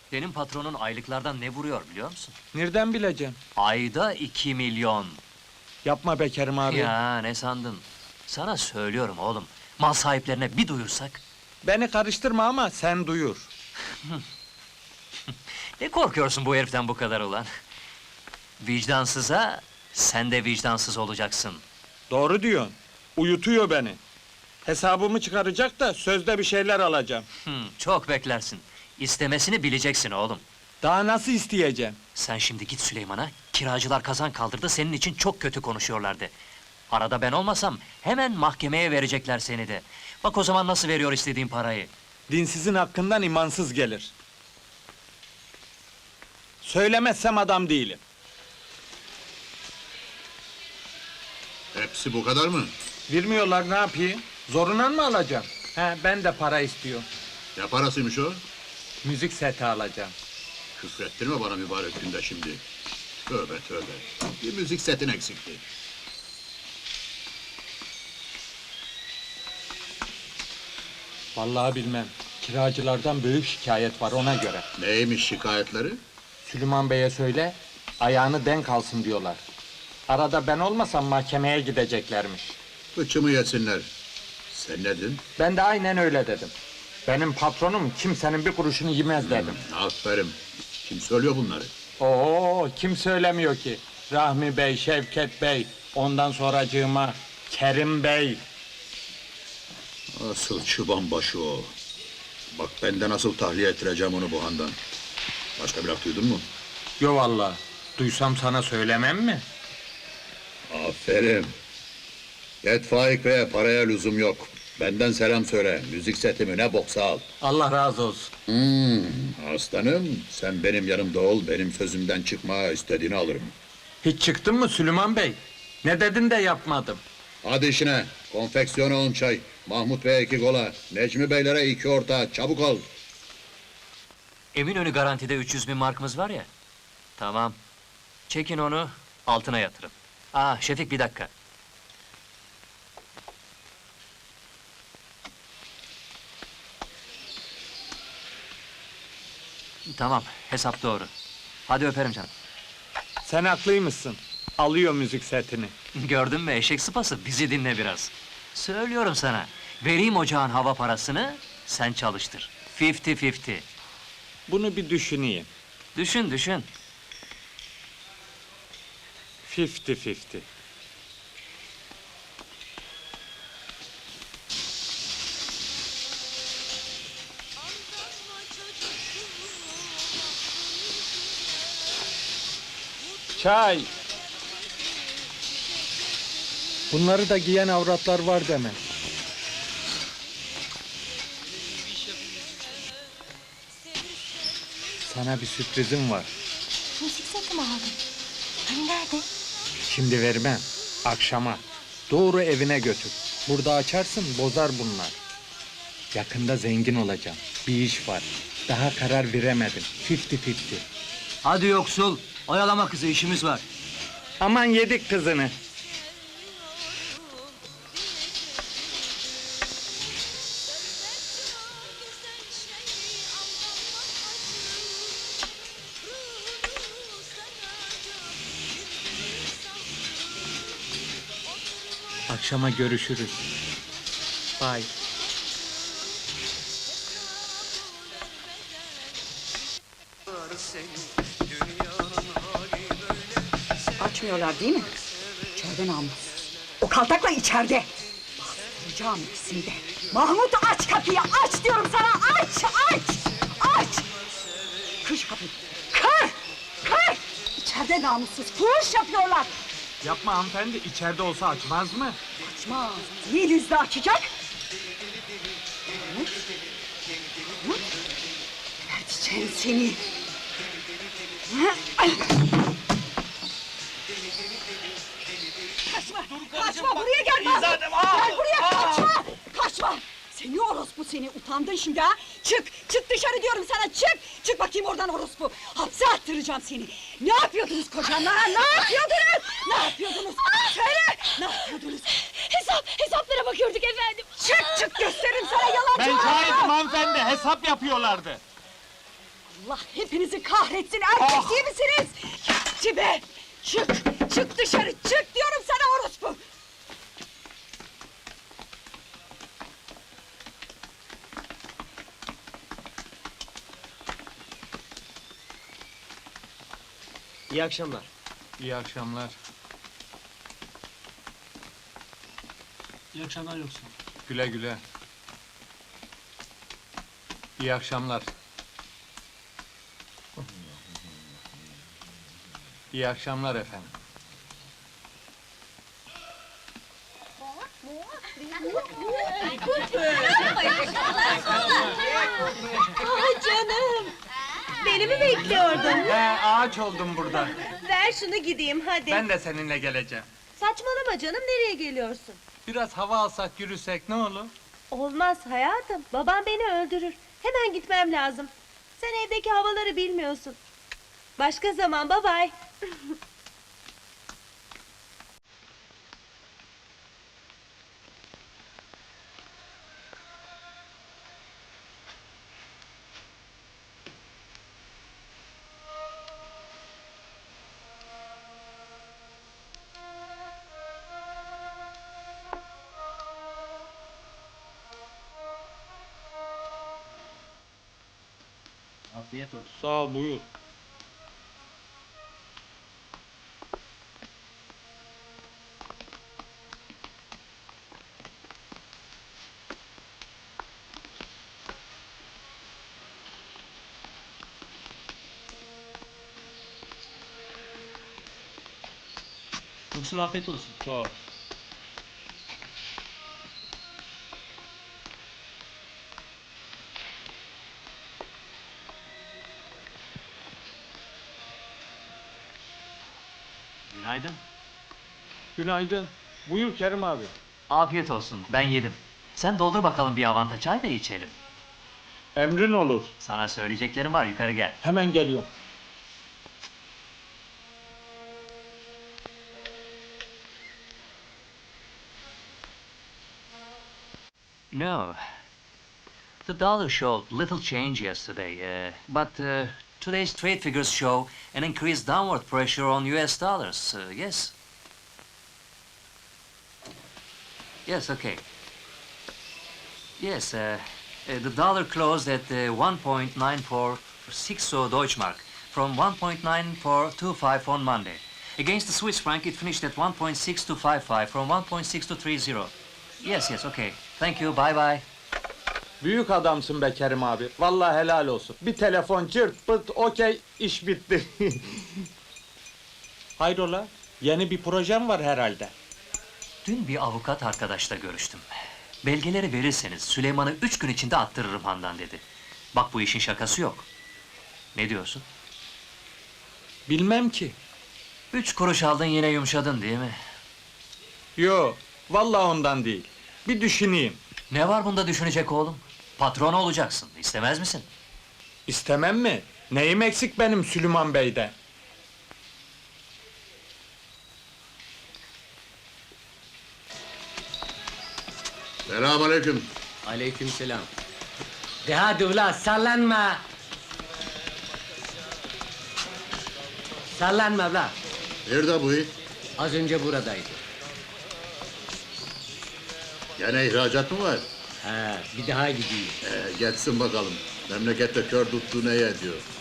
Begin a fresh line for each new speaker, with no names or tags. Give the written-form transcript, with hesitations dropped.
Senin patronun aylıklardan ne vuruyor biliyor musun?
Nereden bileceğim?
Ayda 2 milyon.
Yapma be Kerim abi.
Ya ne sandın? Sana söylüyorum oğlum. Mal sahiplerine bir duyursak.
Beni karıştırma ama sen duyur.
Ne korkuyorsun bu heriften bu kadar ulan? Vicdansıza, sen de vicdansız olacaksın.
Doğru diyorsun. Uyutuyor beni. Hesabımı çıkaracak da sözde bir şeyler alacağım.
Çok beklersin. İstemesini bileceksin oğlum.
Daha nasıl isteyeceğim?
Sen şimdi git Süleyman'a, kiracılar kazan kaldırdı, senin için çok kötü konuşuyorlardı. Arada ben olmasam, hemen mahkemeye verecekler seni de. Bak o zaman nasıl veriyor istediğin parayı.
Dinsizin hakkından imansız gelir. Söylemezsem adam değilim.
Hepsi bu kadar mı?
Vermiyorlar, ne yapayım? Zoruna mı alacağım? He, ben de para istiyorum.
Ne parasıymış o?
Müzik seti alacağım.
Küfrettirme bana mübarek günde şimdi. Tövbe tövbe. Bir müzik setin eksikti.
Vallahi bilmem. Kiracılardan büyük şikayet var ona göre.
Neymiş şikayetleri?
Süleyman Bey'e söyle, ayağını denk alsın diyorlar. Arada ben olmasam mahkemeye gideceklermiş.
Fıçımı yesinler. Sen ne dedin?
Ben de aynen öyle dedim. Benim patronum kimsenin bir kuruşunu yemez dedim.
Aferin. Kim söylüyor bunları?
Oo, kim söylemiyor ki? Rahmi Bey, Şevket Bey, ondan sonracığıma Kerim Bey.
Asıl çıban başı o. Bak ben de nasıl tahliye ettireceğim onu bu handan. Başka bir laf duydun mu?
Yo vallahi, duysam sana söylemem mi?
Aferin. Git Faik Bey'e, paraya lüzum yok. Benden selam söyle. Müzik setimi ne boksa al.
Allah razı olsun.
Aslanım, sen benim yanımda ol, benim sözümden çıkma, istediğini alırım.
Hiç çıktın mı Süleyman Bey? Ne dedin de yapmadım.
Hadi işine, konfeksiyona 10 çay, Mahmut Bey'e 2 kola, Necmi Beylere 2 orta, çabuk ol.
Eminönü garantide 300 bin markımız var ya. Tamam. Çekin onu, altına yatırın. Şefik bir dakika. Tamam, hesap doğru. Hadi öperim canım.
Sen haklıymışsın. Alıyor müzik setini.
Gördün mü eşek sıpası, bizi dinle biraz. Söylüyorum sana, vereyim ocağın hava parasını, sen çalıştır. 50-50.
Bunu bir düşüneyim.
Düşün, düşün.
50-50. Çay! Bunları da giyen avratlar var deme. Sana bir sürprizim var.
Müzik seti mi aldın? Hani nerede?
Şimdi vermem. Akşama. Doğru evine götür. Burada açarsın, bozar bunlar. Yakında zengin olacağım. Bir iş var. Daha karar veremedim. 50-50.
Hadi yoksul, oyalama kızı, işimiz var.
Aman yedik kızını. Akşama görüşürüz. Bye.
Açmıyorlar değil mi? İçeride namus. O kaltakla içeride. Bastıracağım ikisini de. Mahmut aç kapıyı, aç diyorum sana, aç, aç, aç! Kır şu kapıyı, kır, kır! İçeride namussuz, fuhuş yapıyorlar.
Yapma hanımefendi, içeride olsa açmaz mı?
Açma, değil yüzde açacak. Mahmut, Mahmut, geberteceğim seni. Kaçma! Kaçma! Buraya gel! Gel buraya! Kaçma! Kaçma! Seni orospu seni! Utandın şimdi ha! Çık! Çık dışarı diyorum sana! Çık! Çık bakayım oradan orospu! Hapse attıracağım seni! Ne yapıyordunuz kocamla ha? Ne yapıyordunuz? Ne yapıyordunuz? Söyle! Ne yapıyordunuz?
Hesaplara bakıyorduk efendim.
Çık! Çık gösteririm sana yalancı!
Ben şahidim hanımefendi, hesap yapıyorlardı.
Allah hepinizi kahretsin, erkek değil misiniz? Tibe! Çık! Çık dışarı, çık diyorum sana orospu!
İyi akşamlar.
İyi akşamlar.
İyi akşamlar yoksa.
Güle güle. İyi akşamlar. İyi akşamlar efendim.
Ah canım! Beni mi bekliyordun?
Ağaç oldum burada.
Ver şunu gideyim hadi.
Ben de seninle geleceğim.
Saçmalama canım, nereye geliyorsun?
Biraz hava alsak, yürüsek ne olur?
Olmaz hayatım, babam beni öldürür. Hemen gitmem lazım. Sen evdeki havaları bilmiyorsun. Başka zaman, bye bye.
Afiyet olsun.
Sağ ol, buyur.
Yoksul afiyet olsun.
Sağ ol.
Günaydın.
Günaydın. Buyur Kerim abi.
Afiyet olsun, ben yedim. Sen doldur bakalım bir avanta çay da içelim.
Emrin olur.
Sana söyleyeceklerim var, yukarı gel.
Hemen geliyorum.
No. The dollar showed little change yesterday, but today's trade figures show an increased downward pressure on US dollars. Yes. Yes, okay. Yes, the dollar closed at 1.9460 Deutschmark from 1.9425 on Monday. Against the Swiss franc, it finished at 1.6255 from 1.6230. Yes, yes, okay. Thank you, bye bye.
Büyük adamsın be Kerim abi. Vallahi helal olsun. Bir telefon cırt pırt okey iş bitti. Hayrola? Yeni bir projem var herhalde.
Dün bir avukat arkadaşla görüştüm. Belgeleri verirseniz Süleyman'ı 3 gün içinde attırırım handan dedi. Bak bu işin şakası yok. Ne diyorsun?
Bilmem ki.
3 kuruş aldın yine yumuşadın değil mi?
Yo, vallahi ondan değil. Bir düşüneyim.
Ne var bunda düşünecek oğlum? Patron olacaksın, istemez misin?
İstemem mi? Neyim eksik benim Süleyman Bey'de?
Selamünaleyküm.
Aleykümselam. De hadi ula sallanma. Sallanma ula.
Nerede bu it?
Az önce buradaydı.
Gene ihracat mı var?
He, bir daha gideyim.
Geçsin bakalım. Memlekette kör tuttuğu neye ediyor?